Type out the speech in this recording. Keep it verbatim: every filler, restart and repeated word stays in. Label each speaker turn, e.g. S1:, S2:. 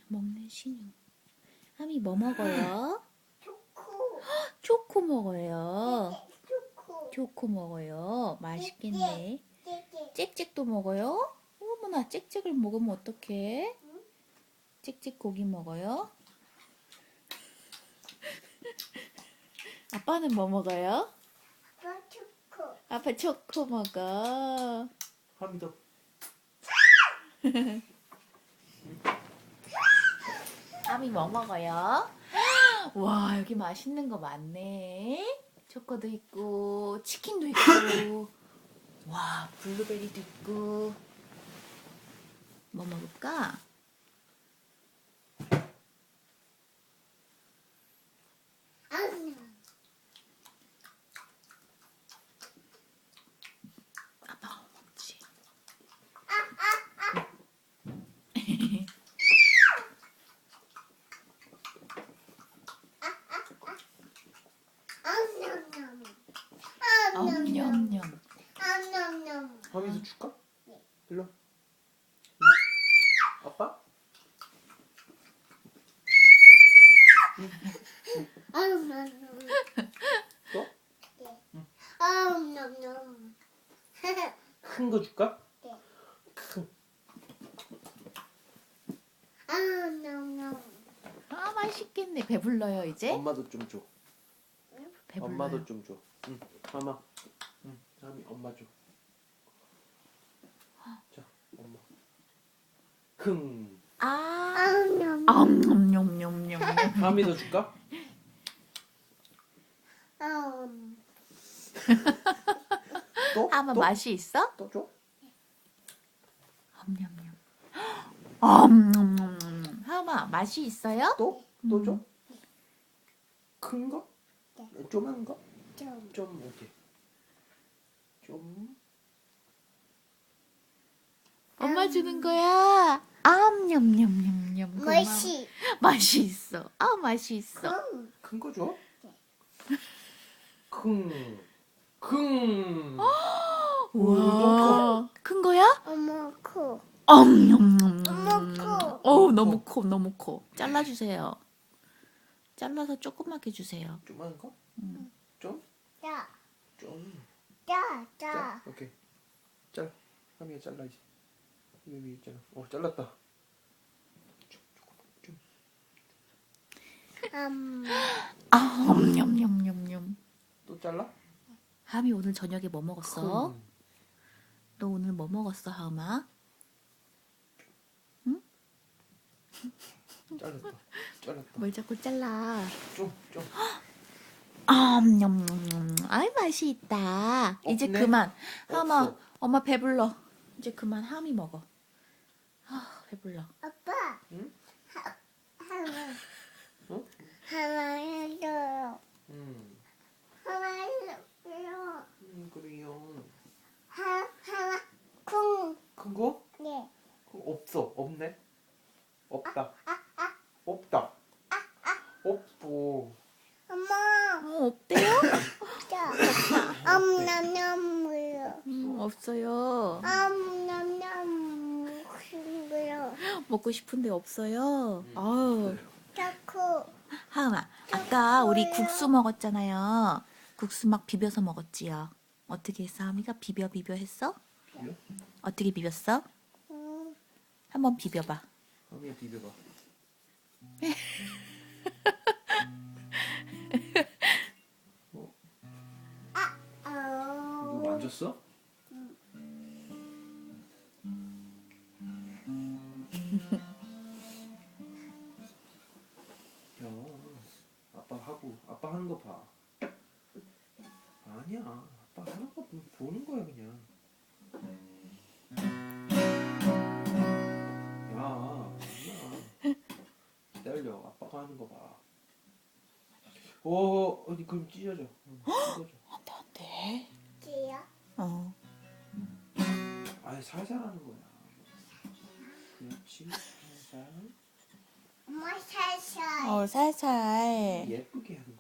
S1: 먹는 신용. 하미 뭐 먹어요?
S2: 초코.
S1: 초코 먹어요.
S2: 초코.
S1: 초코 먹어요. 맛있겠네.
S2: 찌개.
S1: 짹짹도 먹어요? 어머나, 짹짹을 먹으면 어떡해? 짹짹 고기 먹어요? 아빠는 뭐 먹어요?
S2: 아빠 초코.
S1: 아빠 초코 먹어.
S3: 하미도.
S1: 하미 뭐 먹어요? 와, 여기 맛있는 거 많네. 초코도 있고 치킨도 있고 와, 블루베리도 있고. 뭐 먹을까? 아빠가 뭐 먹지? 엄냠냠.
S3: 하미도 줄까?
S2: 네.
S3: 일로. 아빠? 또? 큰 거 줄까?
S2: 네.
S3: 큰.
S1: 아, 맛있겠네. 배불러요 이제?
S3: 엄마도 좀 줘.
S1: 배불러요.
S3: 엄마도 좀 줘. 응. 하마. 응. 하미 엄마 줘. 자, 엄마. 큰.
S1: 아, 엄냠냠냠냠.
S3: 하미도 줄까? 또?
S1: 하마
S3: 또?
S1: 맛이 있어?
S3: 또 줘?
S1: 엄냠냠. 엄냠냠냠. 하마 맛이 있어요?
S3: 또? 또 줘?
S1: 음.
S3: 큰 거?
S2: 네.
S3: 조그만 거?
S2: 좀.
S3: 좀 오케이. 좀.
S1: 엄마 주는 거야. 암냠냠냠냠. 고마워.
S2: 맛이.
S1: 맛이 있어. 아, 맛이 있어.
S3: 큰 거 줘? 큰. 큰.
S1: 우와. 큰 거야?
S2: 엄마 코.
S1: 엄냠냠냠.
S2: 너무 커.
S1: 어우, 너무 커, 너무 커. 잘라주세요. 잘라서 조그맣게 주세요.
S3: 조그만 거?
S1: 음.
S3: 좀?
S2: 자,
S3: 좀.
S2: 자,
S3: 자,
S2: 자.
S3: 오케이. 잘라. 하미가 잘라야지. 여기 위에 있잖아. 어, 잘랐다. 좀, 조금, 좀.
S2: 음,
S1: 아, 엄냠냠냠냠.
S3: 또 잘라?
S1: 하미 오늘 저녁에 뭐 먹었어?
S3: 큰.
S1: 너 오늘 뭐 먹었어, 하마?
S3: 잘랐다. 잘랐다.
S1: 뭘 자꾸 잘라?
S3: 좀, 좀.
S1: 아, 냠냠냠. 아이, 맛이 있다. 이제
S3: 없네?
S1: 그만. 하마,
S3: 없어.
S1: 엄마 배불러. 이제 그만 하미 먹어. 아, 배불러.
S2: 아빠.
S3: 응?
S2: 하나.
S3: 응?
S2: 하나 해줘요.
S3: 음.
S2: 하나 해줘요.
S3: 음, 그래요.
S2: 하, 하나, 쿵.
S3: 큰 거?
S2: 네.
S3: 큰 거 없어. 없네. 없다. 없다. 없고.
S2: 엄마.
S1: 어, 없대요?
S2: 자. 엄냠냠.
S1: 음, 없어요.
S2: 엄냠냠. 싱그러.
S1: 먹고 싶은데 없어요.
S3: 음.
S1: 아우.
S2: 자꾸.
S1: 하마, 아까 우리 국수 먹었잖아요. 국수 막 비벼서 먹었지요. 어떻게 했어? 하미가 비벼 비벼 했어?
S3: 비벼?
S1: 어떻게 비볐어?
S2: 음,
S1: 한번 비벼봐.
S3: 하미가 비벼봐. 어?
S2: 아우.
S3: 이거 만졌어? 야, 아빠 하고 아빠 하는 거 봐. 아니야, 아빠 하는 거 보는 거야 그냥. 야, 아니야. 기다려, 아빠가 하는 거 봐. 오, 어디 그럼 찢어져. 응, 찢어져.
S1: 안돼 안돼.
S2: 지야?
S1: 어.
S3: 아예 살살 하는 거야. 그렇지, 살살.
S2: 엄마 살살.
S1: 어 살살.
S3: 예쁘게 하는